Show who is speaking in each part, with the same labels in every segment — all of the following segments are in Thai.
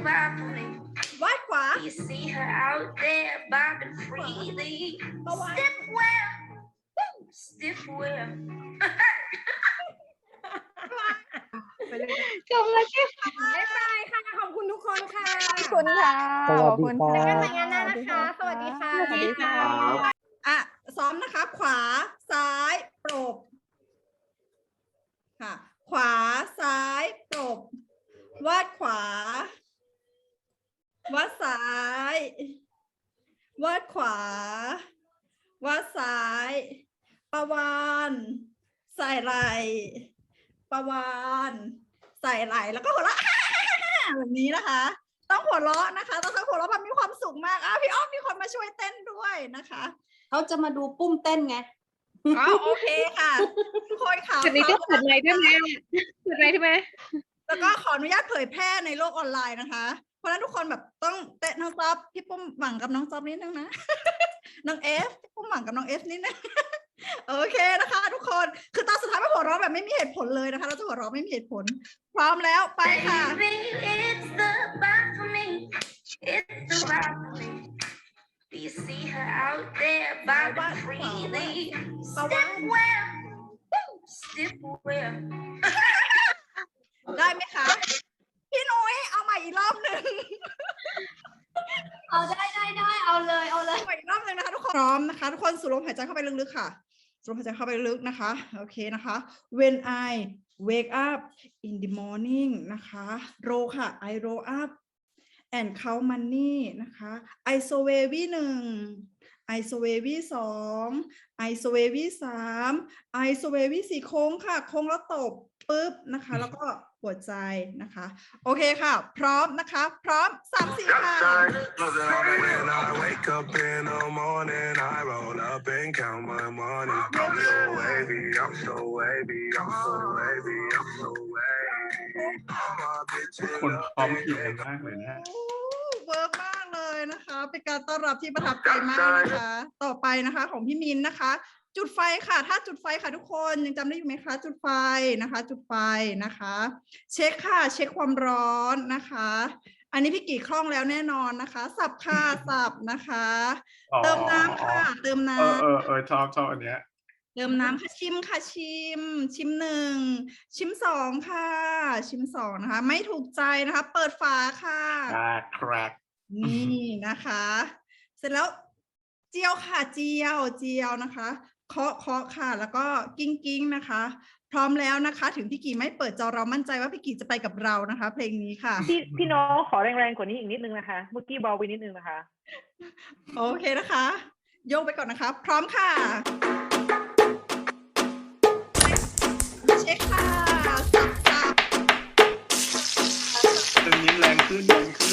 Speaker 1: properly.
Speaker 2: วาดขวา
Speaker 1: You see her out there bobbing freely. Stiff well, stiff well.
Speaker 2: ไปเลยนะ
Speaker 3: จบแล้วใช่ไหม
Speaker 2: บ๊ายบายค่ะขอบคุณทุกคนค่ะ
Speaker 3: ขอบคุณค่ะ
Speaker 4: สวัสดี
Speaker 3: ขอบคุณ
Speaker 4: ครับ
Speaker 2: เจอกันใหม่งานหน้านะคะ สวัสดีค่ะ
Speaker 3: สวัสดีค่ะ
Speaker 2: อ่ะซ้อมนะคะ ขวาซ้ายปรบค่ะ ขวาซ้ายปรบวาดขวาวาดซ้ายวาดขวาวาดซ้ายประวานใส่ไหลประวานใส่ไหลแล้วก็หัวเราะ แบบนี้นะคะ ต้องหัวเราะนะคะต้องหัวเราะแบบมีความสุขมากพี่อ้อมมีคนมาช่วยเต้นด้วยนะคะ
Speaker 5: เขาจะมาดูปุ้มเต้นไง
Speaker 2: โอเคค่ะทุกคนค่ะ
Speaker 3: จุดนี้ต้องเปิดไมค์ด้วยไหมเปิดไมค์ใช่ไหม
Speaker 2: แล้วก็ขออนุญาตเผยแพร่ในโลกออนไลน์นะคะ เพราะฉะนั้นทุกคนแบบต้องเตะน้องจ๊อบพี่ปุ้มหวังกับน้องจ๊อบนิดนึงนะ น้องเอฟพี่ปุ้มหวังกับน้องเอฟนิดนึง โอเคนะคะ ทุกคนคือตอนสุดท้ายไม่หัวเราะแบบไม่มีเหตุผลเลยนะคะ เราจะหัวเราะไม่มีเหตุผล พร้อมแล้วไปค่ะ
Speaker 1: Baby, it's the vibe for me. It's the vibe for me. Do you see her out there bobbing freely? Stiff well, stiff well.
Speaker 2: ได้ไหมคะ พี่นุ้ยเอาใหม่อีกรอบหนึ่ง
Speaker 5: เอาได้เอาเลย
Speaker 2: เอาใหม่อีกรอบหนึ่งนะคะทุกคนพร้อมนะคะทุกคนสูดลมหายใจเข้าไปลึกๆค่ะสูดลมหายใจเข้าไปลึกนะคะโอเคนะคะ when I wake up in the morning นะคะ roll ค่ะ I roll up and count money นะคะ I sway 1 I sway 2 I sway 3 I sway 4โค้งค่ะโค้งแล้วตบปึ๊บนะคะแล้วก็หัวใจนะคะโอเคค่ะพร้อมนะคะพร้อม3-4ค่ะ
Speaker 6: When I wake up in the morning, I roll up and count my money. I'm so wavy, I'm so wavy, I'm so wavy, I'm so wavy. All my
Speaker 7: ทุก
Speaker 6: bitches
Speaker 7: คนพร้อม
Speaker 6: up
Speaker 7: เพรียง
Speaker 6: in
Speaker 7: มากเลยนะ
Speaker 2: เวิร์กมากเลยนะคะ เป็นการต้อนรับที่ประทับใจมากนะคะ ต่อไปนะคะของพี่มินนะคะ จุดไฟค่ะถ้าจุดไฟค่ะทุกคนยังจำได้อยู่ไหมคะ จุดไฟนะคะ จุดไฟนะคะ เช็คค่ะเช็คความร้อนนะคะ อันนี้พี่กี่คล่องแล้วแน่นอนนะคะ สับค่ะสับนะคะ เติมน้ำค่ะเติมน้ำ
Speaker 7: ชอบอันเนี้ย
Speaker 2: เติมน้ำค่ะชิมค่ะชิม1ชิม2ค่ะชิม2นะคะไม่ถูกใจนะคะเปิดฝาค่ะ
Speaker 7: crack
Speaker 2: นี่นะคะ เสร็จแล้วเจียวค่ะเจียวนะคะเคาะค่ะแล้วก็กิ้งนะคะ พร้อมแล้วนะคะถึงพี่กี่ไม่เปิดจอเรามั่นใจว่าพี่กี่จะไปกับเรานะคะ เพลงนี้ค่ะ
Speaker 8: พี่น้องขอแรงๆกว่านี้อีกนิดนึงนะคะเมื่อกี้เบาไปนิดนึงนะคะ
Speaker 2: โอเคนะคะโยกไปก่อนนะคะ พร้อมค่ะเช็คค่ะสับ
Speaker 7: ตรงนี้แรงขึ้น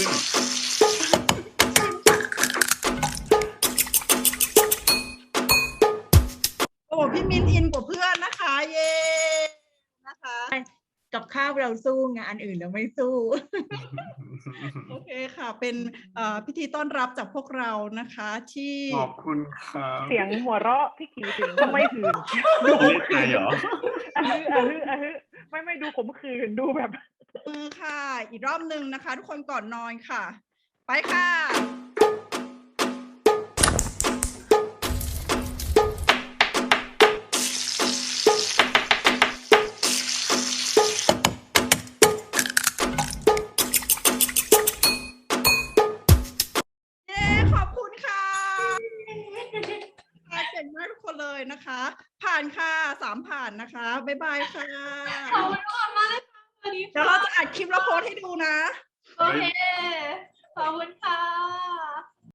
Speaker 2: โอ้พี่มินอินกว่าเพื่อนนะคะเย้นะคะ
Speaker 3: กับข้าวเราสู้งานอื่นเราไม่สู้
Speaker 2: โอเคค่ะเป็นพิธีต้อนรับจากพวกเรานะคะที่
Speaker 7: ขอบคุณครับ
Speaker 8: เสียงหัวเราะพี่ขีถึงทำไมหื่น
Speaker 7: ดูใครเหรอ
Speaker 8: ไม่ดูขมขื่นดูแบบ
Speaker 2: มือค่ะอีกรอบหนึ่งนะคะ ทุกคนก่อนนอนค่ะ ไปค่ะ เย้ขอบคุณค่ะเก่งมากทุกคนเลยนะคะ ผ่านค่ะ3ผ่านนะคะบ๊ายบายค่ะ
Speaker 5: ขอบคุณมากเลยค่ะสวัสดี
Speaker 2: เดี๋ยว
Speaker 5: ค่ะ
Speaker 2: เราจะอัดคลิปแล้วโพสต์ให้ดูนะ
Speaker 5: โอเค ขอบคุณค่ะ